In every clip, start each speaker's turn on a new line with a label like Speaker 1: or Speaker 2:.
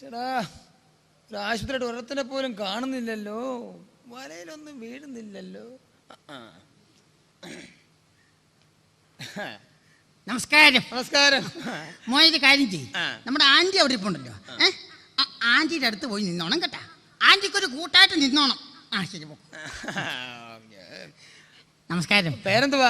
Speaker 1: ചേടാ, ഒരു ആശുപത്രിയുടെ ഒരത്തിനെ പോലും കാണുന്നില്ലല്ലോ, വലയിലൊന്നും വീഴുന്നില്ലല്ലോ.
Speaker 2: നമസ്കാരം.
Speaker 1: നമസ്കാരം.
Speaker 2: മോനെ കാര്യം ചെയ്യും, നമ്മുടെ ആന്റി അവിടെ ഇപ്പുണ്ടല്ലോ, ആന്റിയുടെ അടുത്ത് പോയി നിന്നോണം കേട്ടാ. ആന്റിക്കൊരു കൂട്ടായിട്ട് നിന്നോണം. ആ ശരി പോ. നമസ്കാരം.
Speaker 1: പേരെന്തുവാ?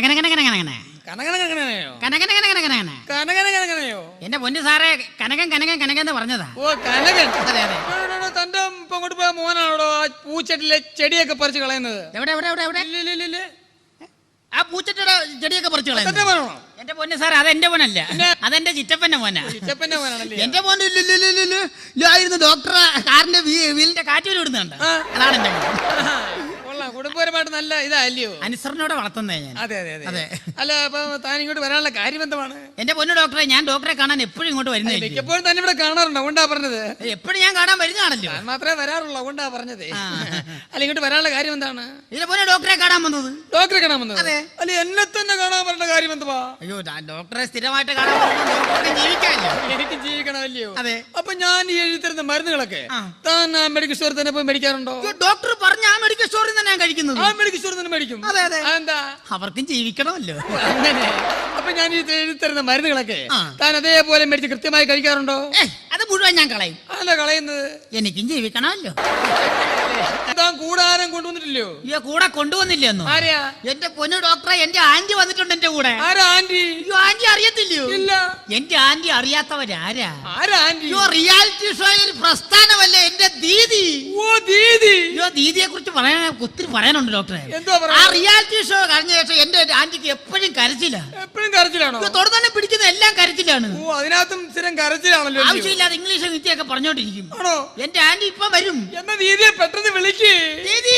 Speaker 2: എന്റെ പൊന്നു സാറേ, കനകൻ എന്ന് പറഞ്ഞതാ.
Speaker 1: ഓ കനകൻ. തന്റെ ഇപ്പൊ അങ്ങോട്ട് പോയ മോനാണോ ആ പൂച്ചെട്ടിലെ ചെടിയൊക്കെ പറിച്ച് കളയുന്നത്?
Speaker 2: എവിടെ എവിടെ എവിടെ എവിടെ ആ പൂച്ചട്ടിയുടെ ചെടിയൊക്കെ പറിച്ചു കളയുന്നത്? എന്റെ പൊന്നു സാറേ, അതെന്റെ മോനല്ല, അതെന്റെ ചിറ്റപ്പന്റെ മോനാ. എന്റെ മോൻ ആയിരുന്നു ഡോക്ടറെ കാറിന്റെ വീലിന്റെ കാറ്റ് വിടുന്നുണ്ട്. അതാണ് എന്റെ മോൻ.
Speaker 1: കുടുംബപരമായിട്ട് നല്ല ഇതല്ലയോ?
Speaker 2: അനുസരണയോടെ വളർത്തുന്നേ ഞാൻ.
Speaker 1: അതെ അതെ അതെ. അല്ല, അപ്പൊ താൻ ഇങ്ങോട്ട് വരാനുള്ള കാര്യം എന്താണ്?
Speaker 2: എന്റെ പൊന്നു ഡോക്ടറെ, ഞാൻ ഡോക്ടറെ കാണാൻ എപ്പോഴും ഇങ്ങോട്ട് വരുന്നത്.
Speaker 1: എപ്പോഴും തന്നെ ഇവിടെ കാണാറുണ്ടോ? ഉണ്ടാ പറഞ്ഞത്
Speaker 2: എപ്പോഴും ഞാൻ കാണാൻ വരുന്നതാണല്ലോ.
Speaker 1: ഞാൻ മാത്രമേ വരാറുള്ളൂ, ഉണ്ടാ പറഞ്ഞത്. അല്ല, ഇങ്ങോട്ട് വരാനുള്ള കാര്യം എന്താണ്?
Speaker 2: ഇതിന്റെ പൊന്നു ഡോക്ടറെ കാണാൻ വന്നത്.
Speaker 1: ഡോക്ടറെ കാണാൻ വന്നത്? അല്ല, എന്നെ തന്നെ കാണാൻ പറഞ്ഞ കാര്യം എന്തുവാ?
Speaker 2: അയ്യോ, ഡോക്ടറെ സ്ഥിരമായിട്ട് കാണാൻ ജീവിക്കാമല്ലോ.
Speaker 1: എനിക്ക് ജീവിക്കണമല്ലയോ? അതെ. അപ്പൊ ഞാൻ ഈ എഴുതി തരുന്ന മരുന്നുകളൊക്കെ താൻ ആ മെഡിക്കൽ സ്റ്റോറിൽ തന്നെ പോയി മേടിക്കാറുണ്ടോ?
Speaker 2: ഡോക്ടർ പറഞ്ഞ ആ മെഡിക്കൽ സ്റ്റോറിൽ തന്നെ ഞാൻ കഴിക്കുന്നത്.
Speaker 1: ആ മെഡിക്കൽ സ്റ്റോറിൽ തന്നെ മേടിക്കും.
Speaker 2: അതെ അതെ.
Speaker 1: എന്താ?
Speaker 2: അവർക്കും ജീവിക്കണമല്ലോ.
Speaker 1: അങ്ങനെ. അപ്പൊ ഞാൻ ഈ എഴുതി തരുന്ന മരുന്നുകളൊക്കെ താൻ അതേപോലെ മേടിച്ച് കൃത്യമായി കഴിക്കാറുണ്ടോ?
Speaker 2: അത് മുഴുവൻ ഞാൻ കളയും.
Speaker 1: അല്ല കളയുന്നത്,
Speaker 2: എനിക്കും ജീവിക്കണമല്ലോ.
Speaker 1: താൻ കൂടാരം കൊണ്ടുവന്നിട്ടില്ലയോ?
Speaker 2: അയ്യോ, കൂടെ കൊണ്ടുവന്നില്ലെന്നോ?
Speaker 1: ആരെയാ?
Speaker 2: എന്റെ പൊന്നു ഡോക്ടറെ, എന്റെ ആന്റി വന്നിട്ടുണ്ട് എന്റെ കൂടെ.
Speaker 1: ആരാ ആന്റി?
Speaker 2: അയ്യോ, ആന്റി അറിയത്തില്ലയോ? ഇല്ല. എന്റെ ആന്റി അറിയാത്തവരാരാ?
Speaker 1: ആരാ ആന്റി?
Speaker 2: അയ്യോ, റിയാലിറ്റി ഷോയിൽ പ്രസ്ഥാനമല്ലേ എന്റെ ദീദി.
Speaker 1: ഓ ദീദി.
Speaker 2: അയ്യോ, ദീദിയെ കുറിച്ച് ഒത്തിരി പറയാനുണ്ട് ഡോക്ടറെ. ആ
Speaker 1: എന്തുവാ?
Speaker 2: റിയാലിറ്റി ഷോ കഴിഞ്ഞ ശേഷം എന്റെ ആന്റിക്ക് എപ്പോഴും കരച്ചില്ല.
Speaker 1: എപ്പോഴും കരച്ചിലാണോ?
Speaker 2: തൊടുതന്നെ പിടിക്കുന്ന എല്ലാം കരച്ചിലാണ്.
Speaker 1: ഓ, അതിനകത്തും സ്ഥിരം കരച്ചിലാണല്ലോ.
Speaker 2: ആവശ്യമില്ലാതെ ഇംഗ്ലീഷ് വിദ്യയൊക്കെ പറഞ്ഞോണ്ടിരിക്കും.
Speaker 1: ആണോ?
Speaker 2: എന്റെ ആന്റി ഇപ്പൊ വരും.
Speaker 1: എന്നാ ദീദിയെ പെട്ടെന്ന് വിളിക്ക്.
Speaker 2: ദീദി.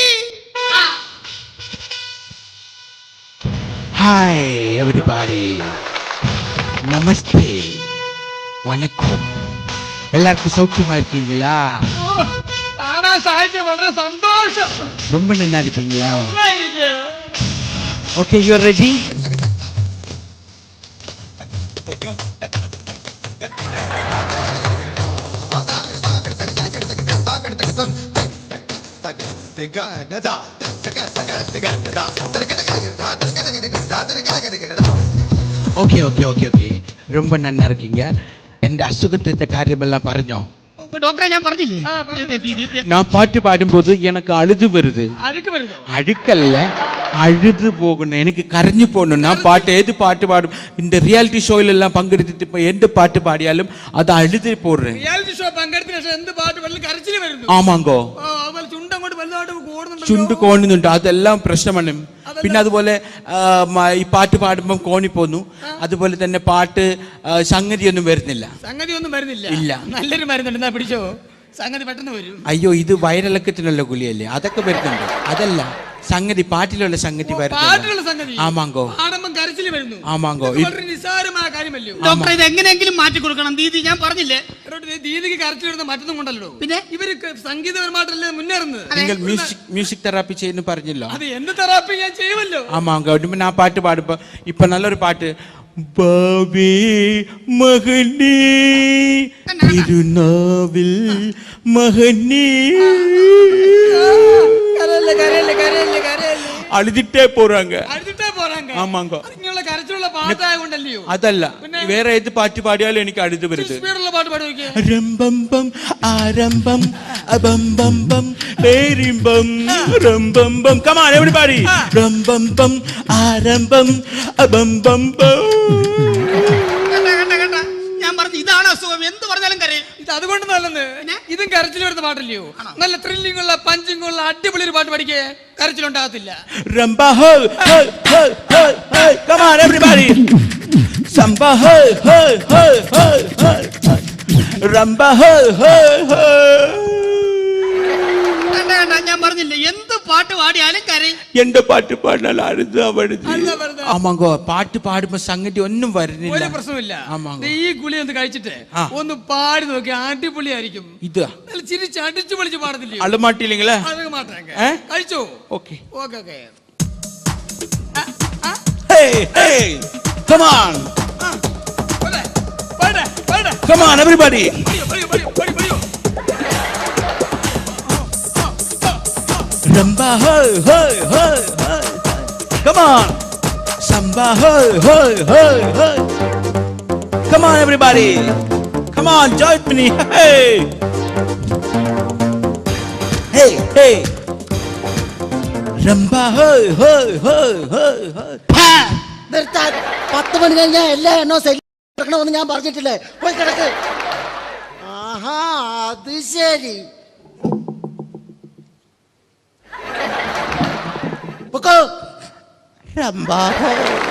Speaker 3: ഹായ് എവരിബഡി, നമസ്തേ, വണക്കം. എല്ലാവർക്കും സൗഖ്യമായിരിക്കீங்களா?
Speaker 1: കാണാൻ സാധിച്ചത് വളരെ സന്തോഷം.
Speaker 3: ரொம்ப நல்லா இருக்கீங்களா? Okay, you are ready? Okay okay okay okay, ரொம்ப நல்லா இருக்கீங்க. എന്റെ അസുഖത്തിന്റെ കാര്യമെല്ലാം പറഞ്ഞോ?
Speaker 2: ഡോക്ടറെ, ഞാൻ പറഞ്ഞില്ലേ,
Speaker 3: நான் பாட்டு பாடும்போது எனக்கு அழுது வருது. அழுக்கல்ல, அழுது போகணும், எனக்கு கரைஞ்சு போகணும். நான் பாட்டு ஏது பாட்டு பாடும், இந்த ரியாலிட்டி ஷோயில எல்லாம் பங்கெடுத்துட்டு இப்ப எந்த பாட்டு பாடியாலும் அதை அழுது போடுறேன்.
Speaker 1: റിയാലിറ്റി ഷോ പങ്കെടുത്ത എന്ത് പാട്ട് പാടിയാലും കരച്ചിൽ വരുന്നു.
Speaker 3: ആമാങ്കോ, ചുണ്ട് കോണുന്നുണ്ട്, അതെല്ലാം പ്രശ്നമാണ്. പിന്നെ അതുപോലെ ഈ പാട്ട് പാടുമ്പം കോണി പോന്നു. അതുപോലെ തന്നെ പാട്ട് സംഗതിയൊന്നും വരുന്നില്ല. ഇല്ല.
Speaker 1: നല്ലൊരു മരുന്നുണ്ട്, പിടിച്ചോ. സംഗതി പെട്ടെന്ന് വരും.
Speaker 3: അയ്യോ, ഇത് വയറിളക്കത്തിനുള്ള ഗുളിയല്ലേ, അതൊക്കെ വരുന്നുണ്ട്. അതല്ല, സംഗതി പാട്ടിലുള്ള സംഗതി വരുന്നു. ആമാങ്കോ, ആമാങ്കോ.
Speaker 1: നിസ്സാരമായ കാര്യമല്ലോ
Speaker 2: ഡോക്ടറെ, ഇത് എങ്ങനെയെങ്കിലും മാറ്റി കൊടുക്കണം. ദീദി, ഞാൻ പറഞ്ഞില്ലേ,
Speaker 1: ദീദിക്ക് കരച്ചിൽ വരുന്ന മറ്റൊന്നും കൊണ്ടല്ലോ. പിന്നെ ഇവര് സംഗീതപരമായിട്ടല്ലേ മുന്നേറുന്നത്.
Speaker 3: നിങ്ങൾ മ്യൂസിക് തെറാപ്പി ചെയ്യുന്നു പറഞ്ഞല്ലോ.
Speaker 1: അത് എന്ത് തെറാപ്പി ഞാൻ ചെയ്യുമല്ലോ.
Speaker 3: ആമാങ്കോ. ഞാൻ പാട്ട് പാടുമ്പോ ഇപ്പൊ നല്ലൊരു പാട്ട്, ബാവേ മകനേ തിരുനാവിൽ മകനേ, അഴുതിട്ടേ പോறாங்க. ആമാങ്കോ. അതല്ല, വേറെ ഏത് പാട്ട് പാടിയാലും എനിക്ക് അഴുത് വരുത്. രംബംബം ആരംഭം അബംബംബം പേരിംബം രംബംബം. Come on everybody. രംബംബം ആരംഭം അബംബംബം.
Speaker 2: ഞാൻ പറഞ്ഞു, ഇതാണ് അസുഖം, എന്ത് പറഞ്ഞാലും കരയും.
Speaker 1: ഇത് അതുകൊണ്ട് നല്ലെന്ന്. ഇതും കരച്ചിൽ വരുന്ന പാട്ടല്ലയോ? നല്ല ത്രില്ലിംഗ് ഉള്ള പഞ്ചിങ് ഉള്ള അടിപൊളി ഒരു പാട്ട് പഠിക്കേ, കരച്ചിലുണ്ടാകത്തില്ല.
Speaker 3: Rumba ho ho ho ho ho. Come on everybody. Samba ho ho ho ho ho. Rumba ho ho ho.
Speaker 2: ഞാൻ പറഞ്ഞില്ലേ, എന്ത് പാട്ട് പാടിയാലും കരയും.
Speaker 3: എന്റെ പാട്ട് പാടിയാൽ അഴുത് അവിടുത്. ആമാങ്കോ, പാട്ട് പാടുമ്പോ സംഗതി ഒന്നും വരുന്നില്ല.
Speaker 1: ഒരു പ്രശ്നമില്ല. ഈ ഗുളി ഒന്ന് കഴിച്ചിട്ട് ഒന്ന് പാടി നോക്കി, അടിപൊളിയായിരിക്കും.
Speaker 3: ഇത്
Speaker 1: ചിരിച്ച് അടിച്ചു പൊളിച്ച് പാടത്തില്ലേ?
Speaker 3: അളമാട്ടില്ലെങ്കിലേ
Speaker 1: കഴിച്ചോ?
Speaker 3: Okay
Speaker 1: okay okay.
Speaker 3: Come on. Come on everybody. Rumba, hey, hey, hey, hey. Come on. Samba, hey, hey, hey, hey. Come on, everybody. Come on, join me. Hey. Hey, hey. Rumba, hey, hey, hey, hey, hey.
Speaker 4: നിർത്താൻ 10 മണി കഴിഞ്ഞാൽ എല്ലാ എണ്ണവും കിടക്കണമെന്ന് ഞാൻ പറഞ്ഞിട്ടില്ലേ? പോയി കിടക്ക്. ആഹാ, അത് ശരി. പൊക്കോ. Rumba, hey.